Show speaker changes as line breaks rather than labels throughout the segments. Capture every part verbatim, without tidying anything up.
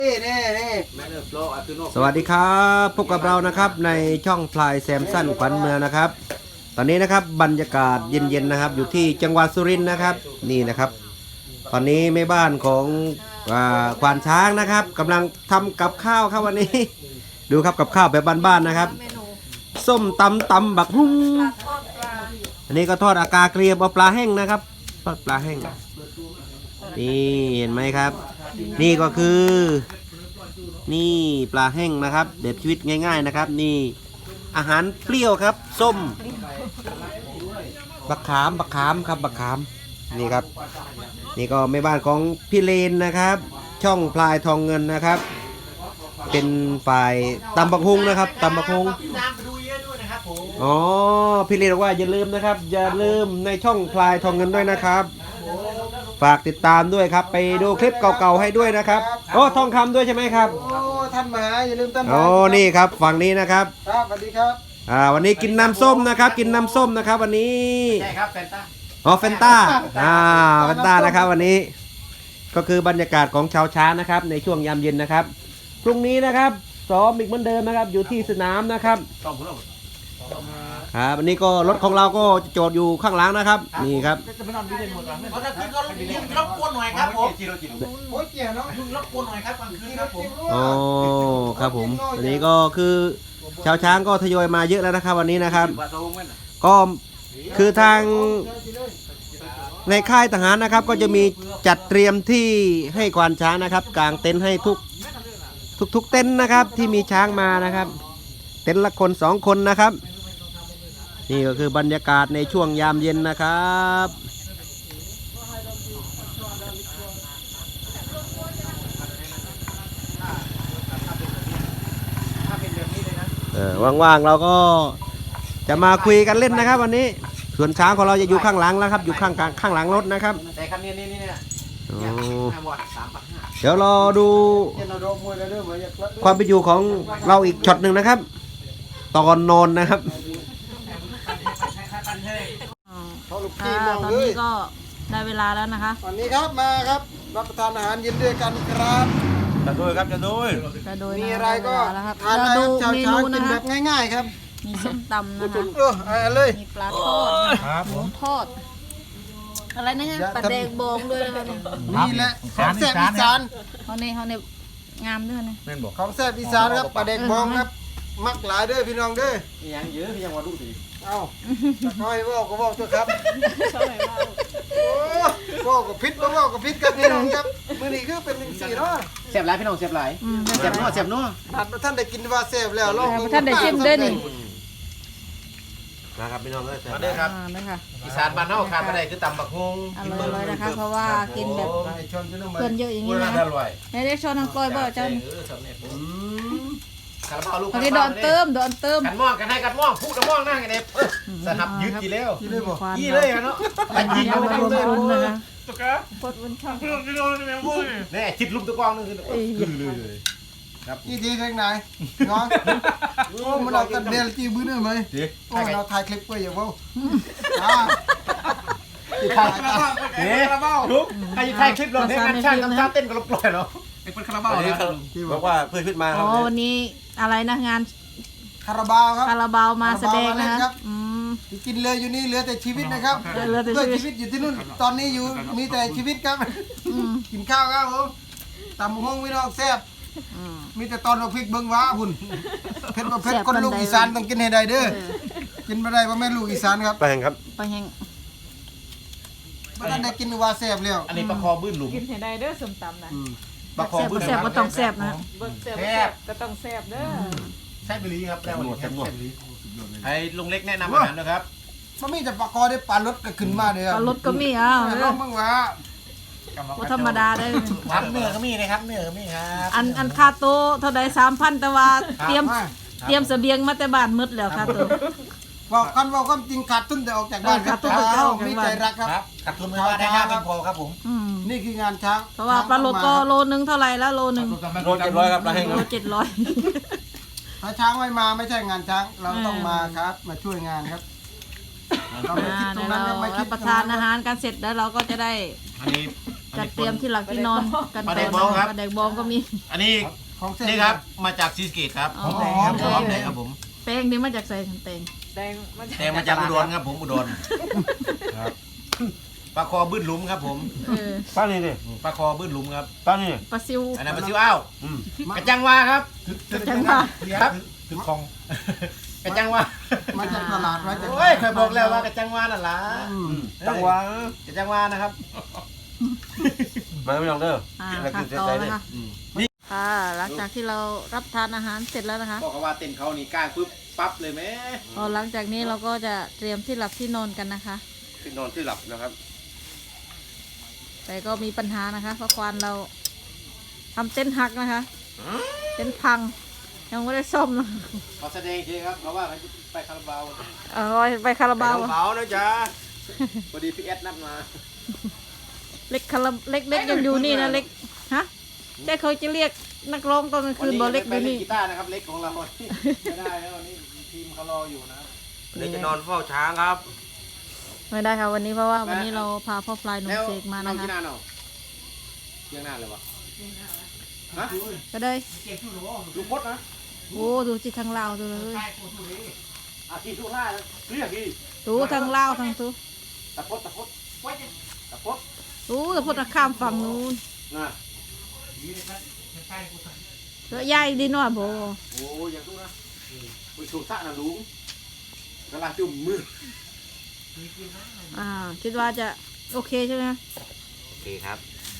สวัสดีครับพบกับเรานะครับในช่องพลายแซมสันขวัญเมืองนะครับตอนนี้นะครับบรรยากาศเย็นๆนะครับอยู่ที่จังหวัดสุรินทร์นะครับนี่นะครับตอนนี้แม่บ้านของควานช้างนะครับกำลังทำกับข้าวครับวันนี้ดูครับกับข้าวแบบบ้านๆนะครับส้มตำตำบักหุ่งอันนี้ก็ทอดอากาเกลียบเอาปลาแห้งนะครับทอดปลาแห้งนี่เห็นไหมครับนี่ก็คือนี่ปลาแห้งนะครับแบบชีวิตง่ายๆนะครับนี่อาหารเปรี้ยวครับส้มบักขามบักขามครับบักขามนี่ครับนี่ก็แม่บ้านของพี่เลนนะครับช่องพลายทองเงินนะครับเป็นฝ่ายตำบักฮุงนะครับตำบักฮุงอ๋อพี่เลนบอกว่าอย่าลืมนะครับอย่าลืมในช่องพลายทองเงินด้วยนะครับฝากติดตามด้วยครับไปดูคลิปเก่าๆให้ด้วยนะครับโอ้ทองคำด้วยใช่ไหมครับ
โอ้ท่านมาอย่าลืมท่านมา
โอ้นี่ครับฝั่งนี้นะครับ
ครับสวัสดีครับ
อ่าวันนี้กินน้ำส้มนะครับกินน้ำส้มนะครับวันนี้
ใช่ครับแฟนตา
อ๋อแฟนตาอ่าแฟนตานะครับวันนี้ก็คือบรรยากาศของชาวช้างนะครับในช่วงยามเย็นนะครับพรุ่งนี้นะครับซ้อมอีกเหมือนเดิมนะครับอยู่ที่สนามนะครับครับวันนี้ก็รถของเราก็จอดอยู่ข้างหลังนะครับนี่ครับ
จะไปนอนที่เด่นหมดแล้วเพราะถ้าขึ้นก็รบกวนหน่อยครับผมโอ้ยเกี่ยวเนาะรบกวนหน่อยครับกลางคืนครับผม
อ๋อครับผมวันนี้ก็คือชาวช้างก็ทยอยมาเยอะแล้วนะครับวันนี้นะครับก็คือทางในค่ายทหารนะครับก็จะมีจัดเตรียมที่ให้ควานช้างนะครับกางเต็นท์ให้ทุกทุกทุกเต็นท์นะครับที่มีช้างมานะครับเต็นท์ละคนสองคนนะครับนี่ก็คือบรรยากาศในช่วงยามเย็นนะครับเออว่างๆเราก็จะมาคุยกันเล่นนะครับวันนี้ส่วนช้างของเราจะอยู่ข้างหลังแล้วครับอยู่ข้างข้างหลังรถนะครับ
แต่คันนี้นี่นี่เนี่ย
เดี๋ยวรอดูความเป็นอยู่ของเราอีกช็อตหนึ่งนะครับตอนนอนนะครับ
ตอนนี้ก็ได้เวลาแล้วนะคะ
วันนี้ครับมาครับรับประทานอาหารเย็นด้วยกันครับ
จะดูครับจะดู
จะดู
มีอะไรก็ทานได้ชาวช้างกินแบบง่ายๆครับ
มีส้มตำนะคะ
เอออะไรเลย
มีปลาทอดหมูทอดอะไรนะฮะปลาแดงบองด้วยนะคะ
นี่แหละของแซ่บอีสาน
เขาในเขาในงามด้วยนะ
ของแซ่บอีสานครับปลาแดงบองครับมักหลายเด้อพี่น้องเด้อ
ยังเยอะพี่ยังมาดูสิ
เอ้าคอยบอกก็บอกตัวครับโอ้บอกกับพิษบอกกับพิษครับพี่น้องครับมื้อนี้คือเป็นสี่เนาะ
เสียบหลายพี่น้องเสียบหลายเสียบนัวเสียบนัว
ท่านได้กินว่าเสียบแล้วลอง
ท่านได้ชิมด้วยนี่
นะครับพี่น้องเอ้ย
มาเด้อครับอีสานบ้านเฮาขาดบ่ได้คือตำบักฮุง
อร่อยเลยนะคะเพราะว่ากินแบบเพื่อนเยอะอย่างนี้นะในได้ชอนน้ำกล้อยบ่จัน
คาราบาวลูก
อันนี้ดอนเติมดอนเติม
กันม่วงกันให้กันม่วงพูดกันม่วงนั่งกันเด็บสนับยึดกี่แล้ว
ยี่เลยบ่
ยี่เลยเนาะ
ยิงเอาไปรวมๆนะคะ
ตุ๊กปดวันช่างแน่จิตลุมตะกองนึงคือเลยเลย
ครับยี่ทีทางไหนน้องโอ้มันเอากันเดลจีบื้อได้ไหมโอ้เราถ่ายคลิปไว้อย่าเว้า
ถ่ายคาราบาวเฮ้ยคาราบาวลุกใครถ่ายคลิปลงให้งานช่างทำท่าเต้นก็ปล่อยเนาะเป็นคาราบาวนะ
บอกว่าเพื่อนขึ้นมา
อ๋อวันนี้อะไรนะงาน
คาราบาวครับ
คาราบาวมาแสดงนะครับ
กินเลยอยู่นี่เหลือแต่ชีวิตนะครับเหลือแต่ชีวิตอยู่ที่นู่นตอนนี้อยู่มีแต่ชีวิตครับกินข้าวครับผมตำห้องพี่น้องแซ่บมีแต่ตอนเราพริกเบิ้งว้าหุ่นเผ็ดประเภทคนลูกอีสานต้องกินให้ได้เด้อกินไม่ได้เพราะแม่ลูกอีสานครับ
ไปแห้งครับ
ไปแห้ง
ไม่ได้กินว่าแซ่บแล้ว
อันนี้ปลาคอบื้นหลุม
กินให้ได้เด้อสมตำนะ
ปลาคอบื้นแซ่บก็ต้องแซ่บนะ
แซ่บก็ต้องแซ่บเด้อ
แซ่บไปลีครับแล้ววันนี้แซ่บไปลีไอ้ลุงเล็กแนะนำอาหารนะครับ
มันมีแต่ปลาคอได้ปลารสก็ขึ้นมาเลย
ปลารสก็มีอ่ะ
ลองบ้างวะ
ก็ธรรมดาได้
ครับเนื้อก็มีนะครับเนื้อก็มีครับ
อันอันคาโต้เท่าใดสามพันแต่ว่าเตรียมเตรียมเสบียงมาแต่บ้านมืดแล้วคาโต้
บอกกันว่าความจริงขาดทุนแต่ออกจากบ้านครับเรามีใจรักครับ
ขาดทุนไม่ว่าได้ห้าพันพอครับผม
นี่คืองานช้าง
เพราะว่าปลาโลก็โลนึงเท่าไรแล้วโลนึง
โลเจ็ดร้อยครับ
โลเจ็ดร้อย
ถ้าช้างไม่มาไม่ใช่งานช้างเราต้องมาครับมาช่วยงานครับ
เราไม่คิดตรงนั้นไม่คิดประทานอาหารกันเสร็จแล้วเราก็จะได้
อันนี้
จัดเตรียมที่หลักที่นอนกันก่อนนะคะกระแดกบองก็มี
อันนี้
ของเส้น
นี่ครับมาจากซีสะเกตครับ
อ๋อ
แดงครับหอมแดงครับผม
แป้งนี่มาจากใส่แตง
แดงมัน
แดงมาจากอุดรครับผมอุดรครับปลาคอบื้นหลุมครับผม
เออ
ป้านี่ดิ
ปลาคอบื้นหลุมครับ
ป้านี่
ปลาซิว
อันนั้นปลาซิวอ้าว
อืม
กระจังวาครับ
จังหวะ
ครับ
ถึงคลอง
กระจังวา
มาจากตลาดมาจาก
โอ้ยเคยบอกแล้วว่ากระจังวานั่นล่ะ
จังหวะ
กระจังวานะครับ
มาไม่ลองเด้อ
อ่า
แล้ว
ค่ะ
กินเสร็จ
ต่อ
ใจ
นะ
เลย
คะค่ะหลังจากที่เรารับทานอาหารเสร็จแล้วนะคะ
บอกว่าเต้นเขานี่กล้าปุ๊บปั๊บเลยไหม
พอหลังจากนี้เราก็จะเตรียมที่หลับที่นอนกันนะคะ
ที่นอนที่หลับนะครับ
แต่ก็มีปัญหานะคะ เพราะควานเราทำเต็นท์หักนะคะ เต็นท์พัง ยังไม่ได้ซ่อมนะ
ขอแสดงทีครับเพราะว่าเขาไปคาราบาว
เอาไว้ไปคาราบาว
ไปเบานะจ๊ะพอดีพี่เอสนัดมา
เล็กคาราเล็กเล็กยังอยู่นี่นะเล็กฮะแต่เขาจะเรียกนักร้องตอนกลางคืนบอเล็กอ
ไป
ยู่
เล่น
นี่
กีตาร์นะครับเล็กของเราไม่ได้แล้ววันนี้ทีมเขารออยู่นะ
วันนี้จะนอนเฝ้าช้างครับ
ไม่ได้ค่ะวันนี้เพราะว่าวันนี้เราพาพ่อพลายหนุ่มเสกมา
น้อ
นะ
งกี
คะ
น่าเนาะเที่ยงหน้าเลยวะฮะ
ก็ได้
ลูกพดนะ
โอ้ดูจิทางลาวดูเลย
อาทีทุกท่าเรียกดี
ดูทางลาวทางตู
ตะพดตะพดตะพด
ดูแต่พุทธข้ามฝั่งนู้น
นะ
แล้วยายดีหน่อยโบ
โอ้ยอย่างทุกนะไปชูสะนะลุงกำลังจุ่มมือ
อ่าคิดว่าจะโอเคใช่ไหม
โอเคครับ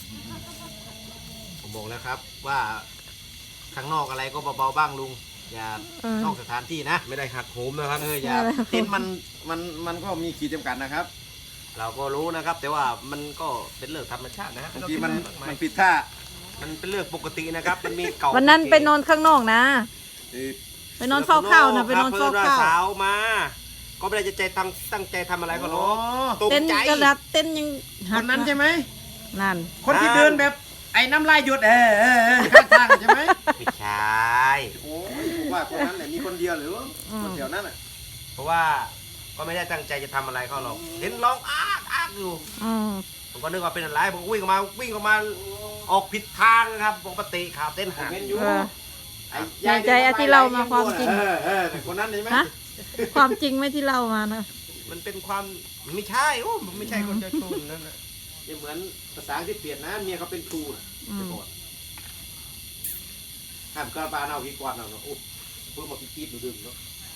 ผมบอกแล้วครับว่าข้างนอกอะไรก็เบาๆบ้างลุงอย่า
เออน
อกสถานที่นะ
ไม่ได้หักโหมนะครับ
เอออย่าเต็นท์มันมันมันก็มีขีดจำกัดนะครับ
เราก็รู้นะครับ แต่ว่ามันก็เป็นเรื่องธรรมชาตินะฮะ
บางทีมันมันผิดท่า
มันเป็นเรื่องปกตินะครับ มันมีเก่า
วันนั้นไปนอนข้างนอกนะ
เออ
ไปนอนเฝ้าข้าวนะไปนอนเฝ้าข้าว
สาวมา ก็ไม่ได้จะใจตั้งตั้งใจทำอะไรก็หรอกตก
เต้น
ใจ
กระดับเต้นยัง
ค
หัก
นนั้นใช่ไหม
นั่น
คนที่เดินแบบไอ้น้ำลายหยดเออเออเออข้างทางใช่ไหม
ไม่ใช่
โอ้ยผมว่าคนนั้นแหละมีคนเดียวหรือคนเดียวนั่นแหละ
เพราะว่าก็ไม่ได้ตั้งใจจะทำอะไรเขาหรอกเห็นร้องอ้ากอ้ากอยู่
อืม
ผมก็นึกว่าเป็นอะไรผมก็วิ่งออกมาวิ่งออกมาออกผิดทางนะครับปกติขาเต้น
ผม
หัก
เห็นอยู่
เออ
ไอ้
ในใจอาที่เรามาความจริง
เออเออแต่คนนั้นใช่ไหม
ฮะความจริงไหม่ที่เล่ามานะ
มันเป็นความไม่ใช่โอ้มันไม่ใช่คนจะชนนั่นนะ
ยังเหมือนภาษาที่เปลี่ยนนะเมียเขาเป็นครูนะ
อืม
แต่ก่อนห้ามกระปาเอากี่กวาดเอาเนาะโอ้เพิ่งมาคิดคิดดูดึงเนาะ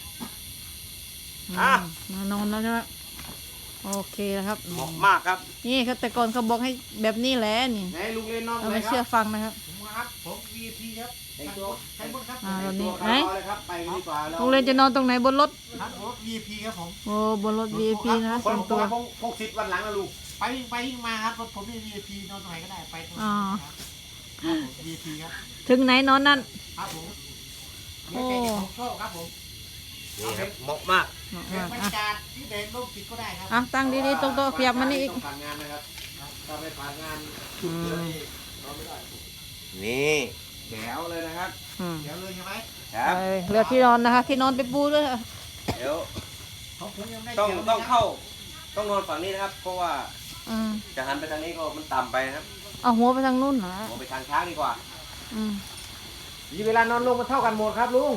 อืมมานอนแล้วใช่ไหมโอเคแล้วครับ
เหมาะมากครับ
นี่ครับแต่ก่อนเขาบอกให้แบบนี้แหละนี่
ไหนลุงเล่นน้อง
เรา
อะไร
ไม่
ค
เชื่อ
รับ
ฟังนะครับ
ผมครับผม วี ไอ พี ครับแต่งตัวใช้บนครับ
อ่าตอนนี้
แต่งตัว
ไหน
รอเลยครับไปกันดีกว่าเรา
โรงเรียนจะนอนตรงไหนบนรถ
ครับรถ วี ไอ พี ครับผม
โอ้บนรถ วี ไอ พี นะคะ
ค
ส่วนตัว
พงพงสิทธิ์วันหลังนะลุง
ไปวิ่งไปวิ่งมาครับรถผมนี่ วี ไอ พี นอนตรงไหนก็ได้ไปตรงไหน
อ๋อ
ครับผม วี ไอ พี ครับ
ถึงไหนนอนนั่น
ครับผม
โอ้
เดี๋ยวใจผมโชคครับผม
นี่ครับเหมาะมาก
เดินบรร
อ่ะ
ยากาศที่เดินร่มติดก็ได้ครับ
อ่ะตั้งดีๆตรงโต๊ะขยับมานี่อีก
ต้องผ่านงานนะครับถ้าไม่ผ่านงาน
อืม
เราไม่ได้
นี่
แถวเลยนะครับ
อืม
เดี๋ยวเลยใช่ไหม
ครับ
เออเหลือที่นอนนะคะ ที่นอนไปปูด้วย
เดี๋ยว
ของผมยังไม่ได้
ต้อง
เดี๋ยว
ต้อง
นะครับ
เข้าต้องนอนฝั่งนี้นะครับ เพราะว่า
อืม
จะหันไปทางนี้ก็มันต่ำไปนะครับ
เอาหัวไปทางนู้นเหรอ
มองไปทางช้างดีกว่า
อืม
มีเวลานอนลงมันเท่ากันหมดครับลุง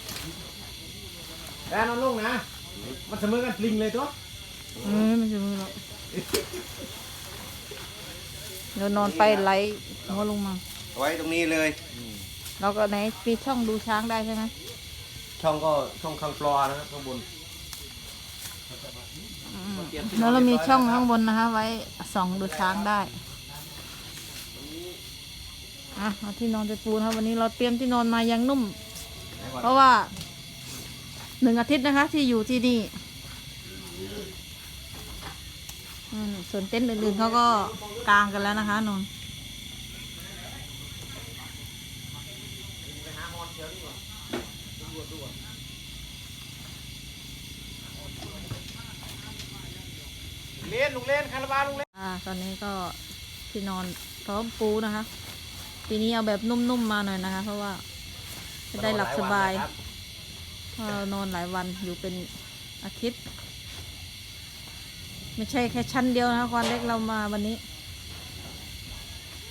เวลานอนลงนะ มันเสมอกันปลิงเลยตัว
เออไม่ใช่มือหรอกเดี๋ยวนอนไปไหลหัวลงมา
ไว้ตรงนี้เลย
เราก็ไหนมีช่องดูช้างได้ใช่ไหม
ช่องก็ช่องข้างฟลอร์นะครับข้างบน
อืมแล้วเรามีช่องข้างบนนะคะ ไว้ส่องดูช้างได้อ่ะเอาที่นอนไปปูนะครับวันนี้เราเตรียมที่นอนมายังนุ่ม เพราะว่าหนึ่งอาทิตย์นะคะ ที่อยู่ที่นี่อืมส่วนเต็นท์อื่นๆเขาก็กางกันแล้วนะคะนนท์
เล่นลุงเล่นคาราบาลุงเล่น
อ่าตอนนี้ก็ที่นอนพร้อมปูนะคะปีนี้เอาแบบนุ่มๆมาหน่อยนะคะ เพราะว่าจะได้หลับสบายเพราะเรานอนหลายวันอยู่เป็นอาทิตย์ ไม่ใช่แค่ชั้นเดียวนะคะความเล็กเรามาวันนี้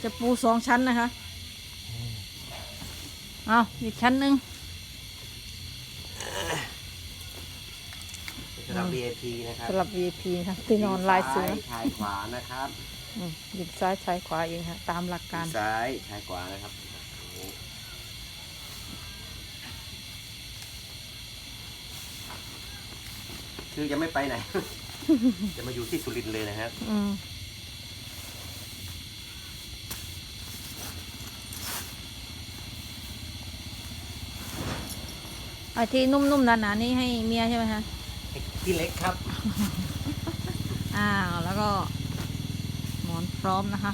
จะปูสองชั้นนะคะเอาอีกชั้นหนึ่ง
สำหรับ วี ไอ พี นะครับ
สำหรับ วี ไอ พี นะคะที่นอนลายเสือ
ชายขวานะครับ
อืมหยิบซ้ายชายขวาเองค่ะตามหลักการ
ซ้ายชายขวานะครับคือจะไม่ไปไหน จะมาอยู่ที่สุรินทร์เลยนะครับ
อืมไอ้ที่นุ่มๆหนาๆนี่ให้เมียใช่ไหมคะ
ที่เล็กครับ
อ้าวแล้วก็หมอนพร้อมนะคะ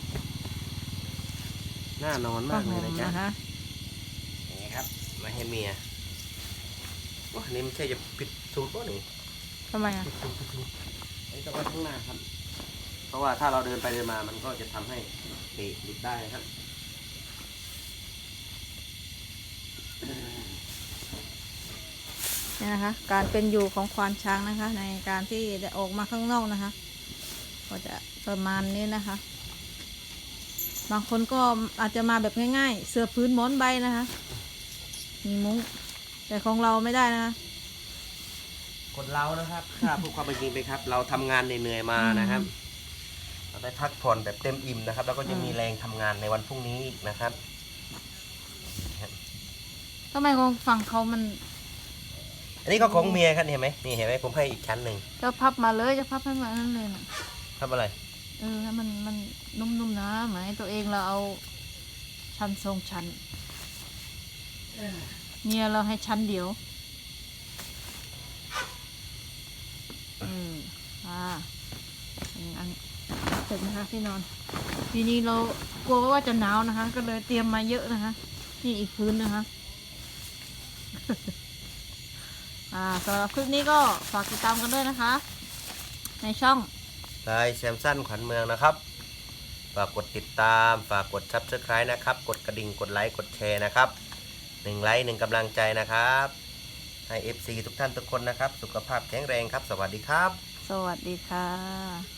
น่านอนมากเลยนะจ๊ะ
นะคะ
อย่างนี้ครับ มาให้เมียว้านี่ไม่ใช่จะผิดสูตรป่ะนี่
ทำไมอ่ะ
อันนี้ต้องไว้ข้างหน้าครับ เพราะว่าถ้าเราเดินไปเดินมามันก็จะทำให้เตะหลุดได้นะครับ
เนี่ยนะคะ การเป็นอยู่ของควานช้างนะคะ ในการที่จะออกมาข้างนอกนะคะ ก็จะประมาณนี้นะคะ บางคนก็อาจจะมาแบบง่ายๆ เสื้อพื้นหมอนใบนะคะ มีมุ้งแต่ของเราไม่ได้นะคะ
คนเรานะครับ ถ้าพูดความเป็นจริงไปครับ เราทำงานเหนื่อยๆมานะครับ เราได้พักผ่อนแบบเต็มอิ่มนะครับ แล้วก็จะมีแรงทำงานในวันพรุ่งนี้อีกนะครับ
ทำไมของฝั่งเขามัน
อันนี้ก็ของเมียครับนี่เห็นไหมนี่เห็นไหมผมให้อีกชั้นหนึ่ง
จะพับมาเลยจะพับให้มานั่นเลยนะ
ทำอะไร
เออให้มันมันนุ่มๆนะหมายตัวเองเราเอาชั้นทรงชั้นเมียเราให้ชั้นเดียวอืมอ่าอันนี้อันเสร็จนะคะที่นอนทีนี้เรากลัวว่าจะหนาวนะคะ ก็เลยเตรียมมาเยอะนะคะนี่อีกพื้นนะคะ อ่าสำหรับคลิปนี้ก็ฝากติดตามกันด้วยนะคะ ในช่อง
ลายแซมสันขวัญเมืองนะครับ ฝากกดติดตาม ฝากกด ซับสไครบ์ นะครับ กดกระดิ่ง กดไลค์ กดแชร์นะครับหนึ่งไลค์หนึ่งกำลังใจนะครับ ให้ เอฟ ซี ทุกท่านทุกคนนะครับ สุขภาพแข็งแรงครับ สวัสดีครับ
สวัสดีค่ะ